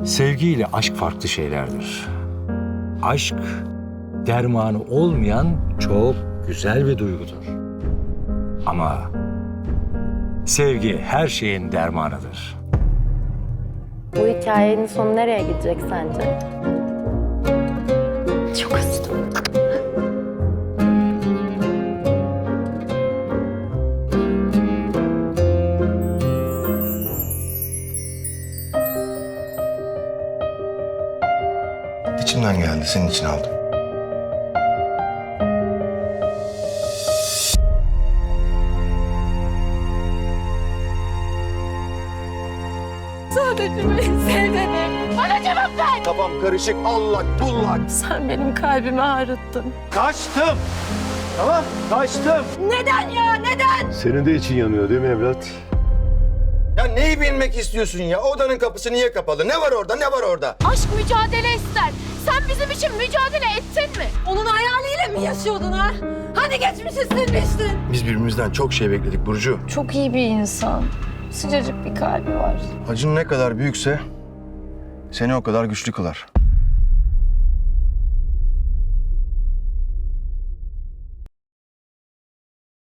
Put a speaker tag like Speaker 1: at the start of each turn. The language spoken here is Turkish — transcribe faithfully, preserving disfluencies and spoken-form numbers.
Speaker 1: Sevgi ile aşk farklı şeylerdir. Aşk, dermanı olmayan çok güzel bir duygudur. Ama sevgi her şeyin dermanıdır.
Speaker 2: Bu hikayenin sonu nereye gidecek sence? Çok üzüldüm.
Speaker 3: İçimden geldi, senin için aldım.
Speaker 2: Sadece beni sev dedim. Bana cevap ver.
Speaker 3: Kafam karışık, allak bullak.
Speaker 2: Sen benim kalbimi ağrıttın.
Speaker 3: Kaçtım. Tamam, kaçtım.
Speaker 2: Neden ya, neden?
Speaker 4: Senin de için yanıyor değil mi evlat?
Speaker 3: Ya neyi bilmek istiyorsun ya? Odanın kapısı niye kapalı? Ne var orada, ne var orada?
Speaker 2: Aşk mücadele ister. Sen bizim için mücadele ettin mi? Onun hayaliyle mi yaşıyordun ha? Hani geçmişi silmiştin?
Speaker 3: Biz birbirimizden çok şey bekledik Burcu.
Speaker 2: Çok iyi bir insan. Sıcacık bir kalbi var.
Speaker 3: Acın ne kadar büyükse seni o kadar güçlü kılar.